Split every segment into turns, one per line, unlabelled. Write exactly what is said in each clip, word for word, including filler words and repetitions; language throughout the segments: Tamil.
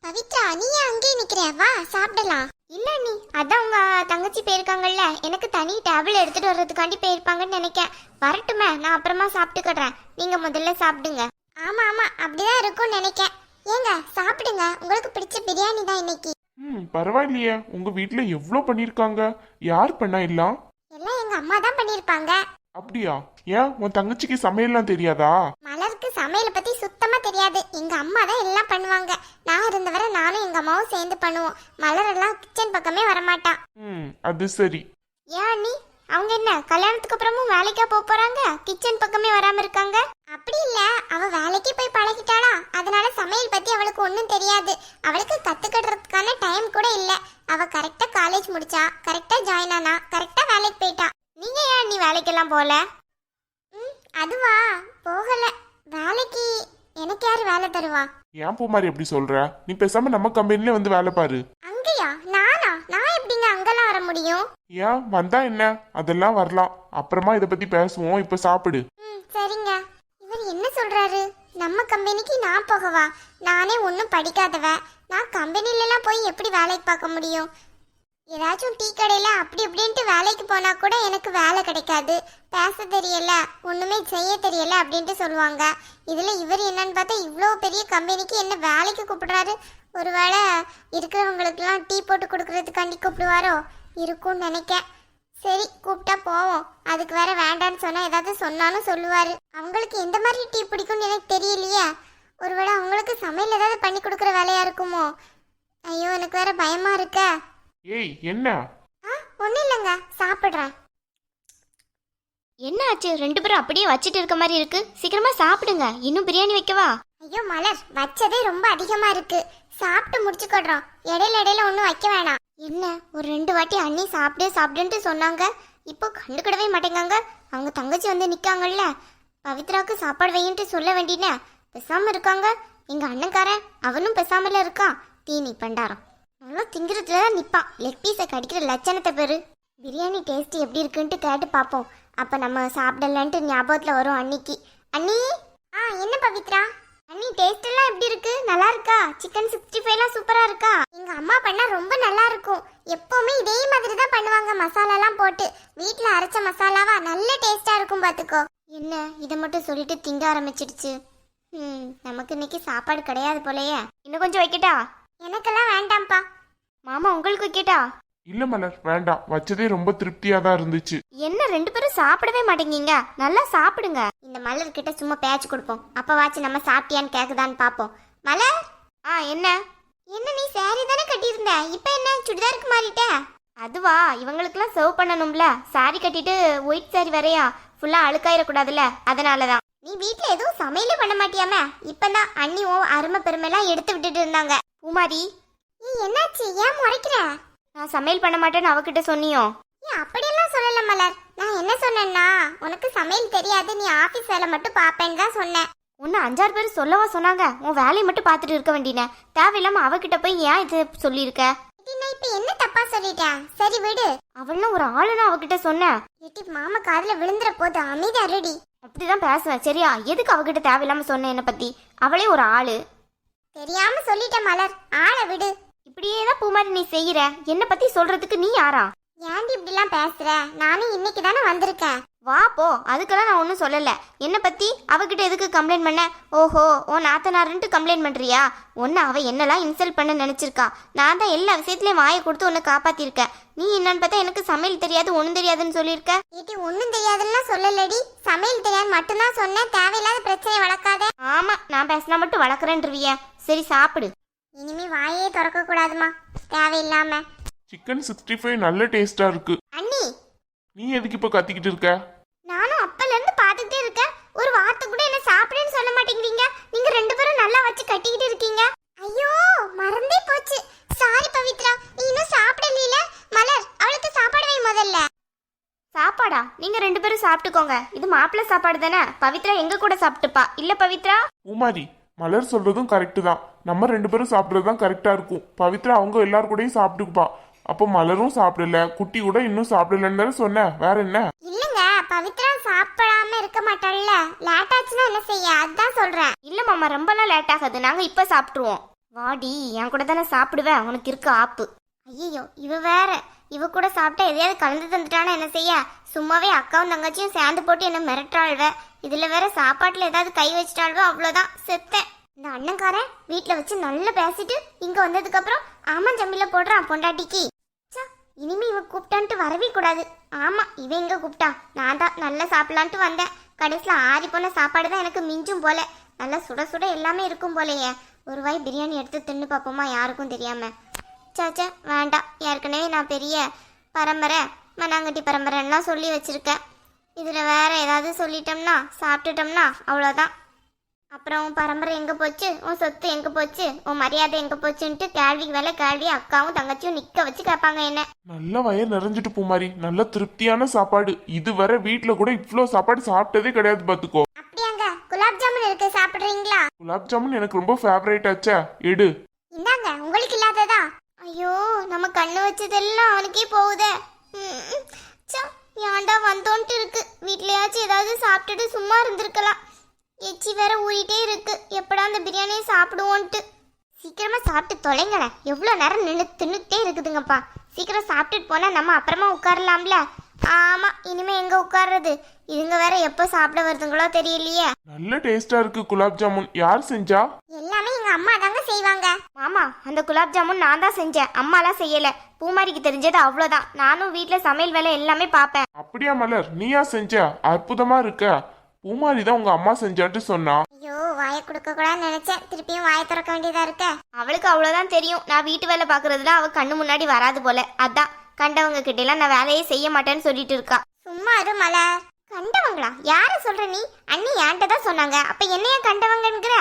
பவித்ரா, நீ ஏன் அங்கேயே நிக்கிற? வா சாப்பிடலாம்.
இல்ல நீ அதான் உங்க தங்கச்சி போயிருக்காங்கல்ல, எனக்கு தனி டேபிள் எடுத்துட்டு வர்றதுக்காண்டி போயிருப்பாங்கன்னு நினைக்கேன். வரட்டுமே, நான் அப்புறமா சாப்பிட்டுக்கிறேன். நீங்க முதல்ல சாப்பிடுங்க.
ஆமா ஆமா, அப்படிதான் இருக்கும்னு நினைக்கேன். ஏங்க சாப்பிடுங்க, உங்களுக்கு பிடிச்ச பிரியாணி தான் இன்னைக்கு.
ம் பரவாயில்லையே, உங்க வீட்ல எவ்வளோ பண்ணிருக்காங்க. யார் பண்ணா எல்லாம்?
எல்லாம் எங்க அம்மா தான் பண்ணிருப்பாங்க.
அப்படியா? ஏன் உன் தங்கச்சிக்கு சமையல்லாம் தெரியாதா?
மலருக்கு சமையலை பத்தி சுத்தமா தெரியாது. எங்க அம்மா தான் எல்லாம் பண்ணுவாங்க. நான் இருந்தவரை நானும் எங்க அம்மாவும் சேர்ந்து பண்ணுவோம். மலர் எல்லாம் கிச்சன் பக்கமே வரமாட்டா.
ம் அது சரி.
ஏன் நீ அவங்க என்ன கல்யாணத்துக்கு அப்புறமும் வேலைக்கா போக போறாங்க? கிச்சன் பக்கமே வராம இருக்காங்க.
அப்படி இல்ல, அவ வேலைக்கு போய் பழகிட்டாளா, அதனால சமையல் பத்தி அவளுக்கு ஒன்றும் தெரியாது. அவளுக்கு கத்துக்கிறதுக்கான டைம் கூட இல்ல. அவ கரெக்டா காலேஜ் முடிச்சா, கரெக்டா ஜாயின் ஆனா, கரெக்டா வேலைக்கு போயிட்டா.
நீங்க ஏன் நீ வேலைக்கெல்லாம் போல?
ம் அதுவா, போகல. வேலைக்கு எனக்கு யாரு வேலை தருவா?
ஏன் பூமாரி எப்படி சொல்ற? நீ பேசாம நம்ம கம்பெனில வந்து வேலை பாரு.
அங்கயா? நானா? நான் எப்படிங்க அங்கெல்லாம் வர முடியும்?
ஏன் வந்தா என்ன, அதெல்லாம் வரலாம். அப்புறமா இதை பத்தி பேசுவோம். இப்ப சாப்பிடு.
ம் சரிங்க. இவர் என்ன சொல்றாரு? நம்ம கம்பெனிக்கு நான் போகவா? நானே ஒன்றும் படிக்காதவ. நான் கம்பெனிலலாம் போய் எப்படி வேலைக்கு பார்க்க முடியும்? ஏதாச்சும் டீ கடையில் அப்படி இப்படின்ட்டு வேலைக்கு போனால் கூட எனக்கு வேலை கிடைக்காது. பேச தெரியல, ஒன்றுமே செய்ய தெரியல அப்படின்ட்டு சொல்லுவாங்க. இதில் இவர் என்னன்னு பார்த்தா இவ்வளோ பெரிய கம்பெனிக்கு என்ன வேலைக்கு கூப்பிடுறாரு. ஒருவேளை இருக்கிறவங்களுக்கெல்லாம் டீ போட்டு கொடுக்கறதுக்காண்டி கூப்பிடுவாரோ இருக்கும்னு நினைக்கேன். சரி, கூப்பிட்டா போவோம். அதுக்கு வேற வேண்டான்னு சொன்னால் ஏதாவது சொன்னாலும் சொல்லுவார். அவங்களுக்கு எந்த மாதிரி டீ பிடிக்கும்னு எனக்கு தெரியலையே. ஒருவேளை அவங்களுக்கு சமையல் ஏதாவது பண்ணி கொடுக்குற வேலையா இருக்குமோ? ஐயோ, எனக்கு வேற பயமா இருக்க.
ஏய் என்ன?
ஆ ஒன்றும் இல்லைங்க, சாப்பிட்றேன்.
என்ன ஆச்சு? ரெண்டு பேரும் அப்படியே வச்சிட்டு இருக்க மாதிரி இருக்கு. சீக்கிரமா சாப்பிடுங்க. இன்னும் பிரியாணி வைக்கவா?
ஐயோ மலர், வச்சதே ரொம்ப அதிகமா இருக்கு. சாப்பிட்டு முடிச்சுக்கொடுறோம். இடையில இடையில ஒன்றும் வைக்க வேணாம்.
என்ன ஒரு ரெண்டு வாட்டி அண்ணி சாப்பிடு சாப்பிடுன்ட்டு சொன்னாங்க, இப்போ கண்டுக்கிடவே மாட்டேங்காங்க. அவங்க தங்கச்சி வந்து நிக்காங்கல்ல, பவித்ராவுக்கு சாப்பாடு வையின்ட்டு சொல்ல வேண்டினே பேசாம இருக்காங்க. எங்க அண்ணன்காரன் அவனும் பேசாமல இருக்கான். தீனி பண்டாரம் நல்லா திங்கிறதுல நிப்பான். லெக் பீஸை கடிக்கிற லட்சணத்தை பேரு. பிரியாணி டேஸ்ட் எப்படி இருக்குன்ட்டு கேட்டு பார்ப்போம். அப்ப நம்ம சாப்பிடலன்ட்டு ஞாபகத்துல வரும் அன்னிக்கு. அண்ணி.
ஆ என்ன பவித்ரா?
அண்ணி டேஸ்ட் எல்லாம் எப்படி இருக்கு? நல்லா இருக்கா? சிக்கன் சிக்ஸ்டி ஃபைவ்லாம் சூப்பரா இருக்கா?
எங்க அம்மா பண்ணா ரொம்ப நல்லா இருக்கும். எப்பவுமே இதே மாதிரி தான் பண்ணுவாங்க, மசாலாலாம் போட்டு. வீட்ல அரைச்ச மசாலாவா நல்ல டேஸ்டா இருக்கும் பாத்துக்கோ.
என்ன இதை மட்டும் சொல்லிட்டு திங்க ஆரம்பிச்சிடுச்சு. ம் நமக்கு இன்னைக்கு சாப்பாடு கிடையாது போலயே. இன்னும் கொஞ்சம் வைக்கட்டா?
எனக்கெல்லாம் வேண்டாம்ப்பா.
மாமா உங்களுக்கு வைக்கட்டா?
இல்ல மலர், வேண்டாம். வச்சதே ரொம்ப திருப்தியா தான் இருந்துச்சு.
என்ன ரெண்டு பேரும் சாப்பிடவே மாட்டேங்கீங்க? நல்லா சாப்பிடுங்க. இந்த மலர் கிட்ட சும்மா பேச்சு கொடுப்போம். அப்ப வாச்சு நம்ம சாப்பிட்டியான்னு கேக்குதான்னு பாப்போம். மலர். ஆ என்ன?
என்ன நீ சாரி தானே கட்டியிருந்த, இப்போ என்ன சுடிதாருக்கு மாறிட்ட?
அதுவா, இவங்களுக்குலாம் சர்வ் பண்ணணும்ல. சாரி கட்டிட்டு ஒயிட் சாரி வரையா ஃபுல்லா அழுக்காயிடக்கூடாதுல்ல, அதனாலதான்.
நீ வீட்ல எதுவும் சமையலே பண்ண மாட்டியாம? இப்பதான் அண்ணி ஓ அருமை பெருமைலாம் எடுத்து விட்டுட்டு இருந்தாங்க.
பூமாரி,
நீ என்னாச்சு? ஏன் முறைக்கிற?
நான் சமையல் பண்ண மாட்டேன்னு அவகிட்ட சொன்னியோ?
நீ அப்படியெல்லாம் சொல்லல மலர். நான் என்ன சொன்னேன்னா, உனக்கு சமையல் தெரியாது, நீ ஆபீஸ் வேலை மட்டும் பாப்பேன்னு தான் சொன்னேன்.
உன்னை அஞ்சாறு பேர் சொல்லவா சொன்னாங்க? உன் வேலையை மட்டும் பார்த்துட்டு இருக்க வேண்டின. தேவையில்லாம அவகிட்ட போய் ஏன் இது சொல்லியிருக்க?
நான் இப்ப என்ன தப்பா சொல்லிட்டேன்? சரி விடு.
அவளும் ஒரு ஆளுன்னு அவகிட்ட சொன்னேன்.
எட்டி மாமா காதுல விழுந்துற போது அமைதி அருடி.
அப்படிதான் பேசுவேன் சரியா? எதுக்கு அவகிட்ட தேவையில்லாம சொன்னேன் என்ன பத்தி? அவளே ஒரு ஆளு.
தெரியாம சொல்லிட்டேன் மலர், ஆளை விடு.
இப்படியே தான் பூமாரி நீ செய்யற. என்ன பத்தி சொல்றதுக்கு நீ யாரா?
ஏன்டி இப்படிலாம் பேசுற? நானும் இன்னைக்கு தானே வந்திருக்கேன்.
வா போ, அதுக்கெல்லாம் நான் ஒன்றும் சொல்லல. என்ன பத்தி அவகிட்ட எதுக்கு கம்ப்ளைண்ட் பண்ண? ஓஹோ, ஓ நாத்தனாருன்ட்டு கம்ப்ளைண்ட் பண்றியா? ஒன்னு அவ என்னெல்லாம் இன்சல்ட் பண்ண நினைச்சிருக்கா. நான் தான் எல்லா விஷயத்துலயும் வாயை கொடுத்து உன்னை காப்பாத்திருக்கேன். நீ என்னன்னு பார்த்தா எனக்கு சமையல் தெரியாது ஒன்றும் தெரியாதுன்னு சொல்லியிருக்க.
ஏட்டி ஒன்றும் தெரியாதுன்னா சொல்லலடி, சமையல் தெரியாது மட்டும்தான் சொன்னேன். தேவையில்லாத பிரச்சனை வளர்க்காத.
ஆமா, நான் பேசினா மட்டும் வளர்க்குறேன்றிய. சரி சாப்பிடு.
இனிமே வாயே திறக்க கூடாதுமா தேவையில்லாம.
சிக்கன் சிக்ஸ்டி ஃபைவ் நல்ல டேஸ்டா இருக்கு.
அண்ணி,
நீ எதுக்கு இப்ப கத்திக்கிட்டு இருக்க?
நானும் அப்பல இருந்து பாத்துக்கிட்டே இருக்கேன். ஒரு வார்த்தை கூட என்ன சாப்பிடுன்னு சொல்ல மாட்டேங்கிறீங்க. நீங்க ரெண்டு பேரும் நல்லா வச்சு கட்டிக்கிட்டு இருக்கீங்க. ஐயோ மறந்தே போச்சு. சாரி பவித்ரா, நீ இன்னும் சாப்பிடல. மலர், அவளுக்கு சாப்பாடு வை முதல்ல.
சாப்பாடா? நீங்க ரெண்டு பேரும் சாப்பிட்டுக்கோங்க. இது மாப்பிள்ளை சாப்பாடு தானே. பவித்ரா எங்க கூட சாப்பிட்டுப்பா. இல்ல பவித்ரா?
பூமாரி, மலர் சொல்றதும் கரெக்டு தான். நம்ம ரெண்டு பேரும் சாப்பிட்றது தான் கரெக்டா இருக்கும். பவித்ரா அவங்க எல்லாரும் கூடயும் சாப்பிட்டுக்குப்பா. அப்போ மலரும் சாப்பிடல, குட்டி கூட இன்னும் சாப்பிடலன்னு தானே சொன்ன. வேற என்ன?
இல்லங்க, பவித்ரா சாப்பிடாம இருக்க மாட்டாள்ல. லேட் ஆச்சுன்னா என்ன செய்ய, அதான் சொல்றேன்.
இல்ல மாமா, ரொம்பலாம் லேட் ஆகாது. நாங்க இப்ப சாப்பிட்டுருவோம். வாடி, என் கூட தானே சாப்பிடுவேன், உனக்கு இருக்க ஆப்பு. ஐயோ, இவ வேற. இவ கூட சாப்பிட்டா எதையாவது கலந்து தந்துட்டானா என்ன செய்ய? சும்மாவே அக்காவும் தங்கச்சியும் சேர்ந்து போட்டு என்ன மிரட்டாள்வ. இதுல வேற சாப்பாட்டுல ஏதாவது கை வச்சிட்டாள்வோ, அவ்வளோதான், செத்தேன். இந்த அண்ணன்காரன் வீட்டில் வச்சு நல்லா பேசிட்டு இங்க வந்ததுக்கு அப்புறம் ஆமாம் ஜம்பில போடுறான் பொண்டாட்டிக்கு. இனிமே இவன் கூப்பிட்டான்ட்டு வரவே கூடாது. ஆமா, இவன் எங்க கூப்பிட்டா? நான் தான் நல்லா சாப்பிடலான்ட்டு வந்தேன். கடைசியில் ஆறி போன சாப்பாடு தான் எனக்கு மிஞ்சும் போல. நல்லா சுட சுட எல்லாமே இருக்கும் போலையே. ஒரு வாய் பிரியாணி எடுத்து தின்னு பார்ப்போமா, யாருக்கும் தெரியாம. சாச்சா வேண்டாம், ஏற்கனவே நான் பெரிய பரம்பரை மண்ணாங்கட்டி பரம்பரைலாம் சொல்லி வச்சிருக்கேன். இதில் வேற ஏதாவது சொல்லிட்டோம்னா சாப்பிட்டுட்டோம்னா அவ்வளோதான். அப்புறம் உன் பரம்பரை எங்கே போச்சு, உன் சொத்து எங்கே போச்சு, உன் மரியாதை எங்கே போச்சுன்ட்டு கேள்விக்கு வேலை கேள்வி அக்காவும் தங்கச்சியும் நிற்க வச்சு கேட்பாங்க என்ன.
நல்ல வயிறு நிறைஞ்சிட்டு பூமாரி, நல்ல திருப்தியான சாப்பாடு. இதுவரை வீட்டுல கூட இவ்வளோ சாப்பாடு சாப்பிட்டதே கிடையாது பாத்துக்கோ.
அப்படியாங்க? குலாப் ஜாமுன் இருக்கு, சாப்பிடுறீங்களா?
குலாப் ஜாமுன் எனக்கு ரொம்ப ஃபேவரேட் ஆச்சா, எடு.
இந்தாங்க, உங்களுக்கு இல்லாததா?
ஐயோ, நம்ம கண்ணு வச்சதெல்லாம் அவனுக்கே போகுதே. ஏன்டா வந்தோன்ட்டு இருக்கு. வீட்லயாச்சும் ஏதாவது சாப்பிட்டுட்டு சும்மா இருந்திருக்கலாம். எச்சி வேற ஊறிட்டே இருக்கு. எப்படா அந்த பிரியாணியை சாப்பிடுவோன்ட்டு. சீக்கிரமா சாப்பிட்டு தொலைங்களேன். எவ்வளோ நேரம் நின்று தின்னுட்டே இருக்குதுங்கப்பா. சீக்கிரம் சாப்பிட்டுட்டு போனா நம்ம அப்புறமா உட்காரலாம்ல. ஆமா, இனிமே எங்க உட்கார்றது? இதுங்க வேற எப்போ சாப்பிட வருதுங்களோ தெரியலையே.
நல்ல டேஸ்டா இருக்கு குலாப் ஜாமுன். யார் செஞ்சா?
எல்லாமே எங்க அம்மா தாங்க செய்வாங்க.
மாமா, அந்த குலாப் ஜாமுன் நான் தான் செஞ்சேன், அம்மாலாம் செய்யல. பூமாரிக்கு தெரிஞ்சது அவ்வளோதான். நானும் வீட்டில் சமையல் வேலை எல்லாமே பார்ப்பேன்.
அப்படியா மலர், நீயா செஞ்ச? அற்புதமா இருக்க. பூமாரி தான் உங்க அம்மா செஞ்சான்ட்டு சொன்னா.
ஐயோ, வாயை கொடுக்க கூடாதுன்னு நினைச்சேன். திருப்பியும் வாயை திறக்க வேண்டியதா இருக்க.
அவளுக்கு அவ்வளோதான் தெரியும். நான் வீட்டு வேலை பார்க்கறதுல அவ கண்ணு முன்னாடி வராது போல. அதான் கண்டவங்க கிட்ட எல்லாம் நான் வேலையே செய்ய மாட்டேன்னு சொல்லிட்டு இருக்கா.
சும்மா இரு மலர். கண்டவங்களா? யார சொல்ற நீ? அண்ணி என்கிட்ட தான் சொன்னாங்க. அப்ப என்னைய கண்டவங்கங்கிற?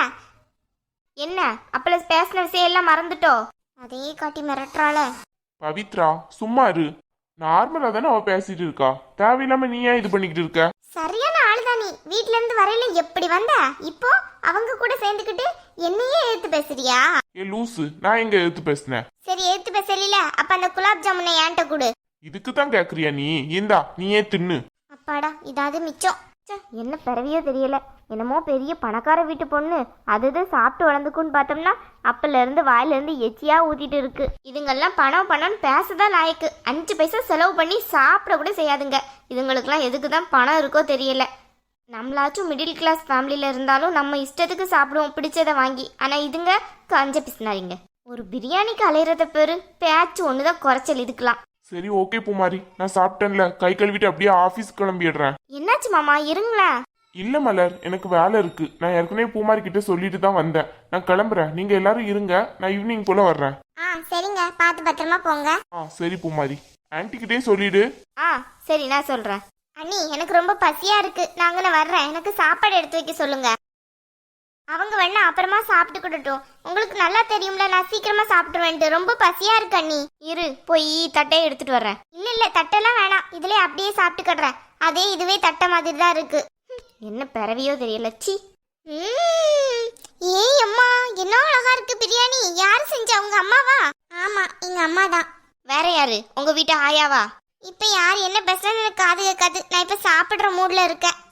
என்ன அப்பள பேசின விஷயம் எல்லாம் மறந்துட்டோ?
அதே காட்டி மிரட்டுறாள.
பவித்ரா சும்மா இரு. நார்மலா தானே அவ பேசிட்டு இருக்கா. தேவையில்லாம நீ ஏன் இது பண்ணிக்கிட்டு இருக்க?
சரியான ஆளுதான் நீ. வீட்ல இருந்து வரையில எப்படி வந்த? இப்போ அவங்க கூட சேர்ந்துக்கிட்டு என்னையே எடுத்து பேசுறியா?
ஏ லூசு, நான் எங்க எடுத்து பேசினேன்?
சரி, எடுத்து பேசல. அப்ப அந்த குலாப் ஜாமுனை என்கிட்ட கொடு.
இதுக்கு தான் கேக்குறியா நீ? இந்தா, நீயே தின்னு.
அப்பாடா, இதாவது மிச்சம்.
என்ன பிறவியோ தெரியல. என்னமோ பெரிய பணக்கார வீட்டு பொண்ணு அது சாப்பிட்டு வளர்ந்துக்குன்னு பார்த்தோம்னா அப்பல இருந்து வாயில இருந்து எச்சியா ஊத்திட்டு இருக்கு. இதுங்கெல்லாம் பணம் பணம்னு பேசதான் லாயக்கு. அஞ்சு பைசா செலவு பண்ணி சாப்பிட கூட செய்யாதுங்க. இதுங்களுக்குலாம் எதுக்கு தான் பணம் இருக்கோ தெரியல. நம்மளாச்சும் மிடில் கிளாஸ் ஃபேமிலியில இருந்தாலும் நம்ம இஷ்டத்துக்கு சாப்பிடுவோம் பிடிச்சதை வாங்கி. ஆனா இதுங்க கஞ்ச பிசினாரிங்க. ஒரு பிரியாணிக்கு அலையிறத பேரு பேச்சு ஒண்ணுதான் குறைச்சல் இதுக்கெல்லாம்.
சரி ஓகே பூமாரி, நான் சாப்பிட்டேன்ல, கை கழுவிட்டு அப்படியே ஆபீஸ் கிளம்பிடுறேன்.
என்னாச்சு மாமா, இருங்களேன்.
இல்ல மலர், எனக்கு வேலை இருக்கு. நான் ஏற்கனவே பூமாரி கிட்ட சொல்லிட்டு தான் வந்தேன். நான் கிளம்புறேன். நீங்க எல்லாரும் இருங்க, நான் ஈவினிங் போல வர்றேன்.
ஆ சரிங்க, பார்த்து பத்திரமா போங்க.
ஆ சரி பூமாரி, ஆன்ட்டி கிட்டே சொல்லிடு.
ஆ சரி, நான் சொல்றேன்.
அண்ணி, எனக்கு ரொம்ப பசியா இருக்கு. நாங்க நான் வர்றேன். எனக்கு சாப்பாடு எடுத்து வைக்க சொல்லுங்க. அவங்க வேணா அப்புறமா சாப்பிட்டுக்கிட்டோம். உங்களுக்கு நல்லா தெரியும்ல, நான் சீக்கிரமா சாப்பிட்டுருவேன்ட்டு. ரொம்ப பசியா இருக்கு அண்ணி.
இரு, போய் தட்டையை எடுத்துட்டு வர்றேன்.
இல்ல இல்ல, தட்டெல்லாம் வேணாம். இதுலயே அப்படியே சாப்பிட்டுக்கிடுறேன். அதே இதுவே தட்டை மாதிரி தான் இருக்கு.
என்ன பிறவியோ தெரியல. சி.
ஏய் அம்மா, என்ன அழகா இருக்கு பிரியாணி. யாரு செஞ்சா? உங்க அம்மாவா? ஆமா, எங்க அம்மா தான்.
வேற யாரு? உங்க வீட்டு ஆயாவா?
இப்ப யார் என்ன பேசுறான்னு எனக்கு காது கேட்காது. நான் இப்ப சாப்பிடுற மூட்ல இருக்கேன்.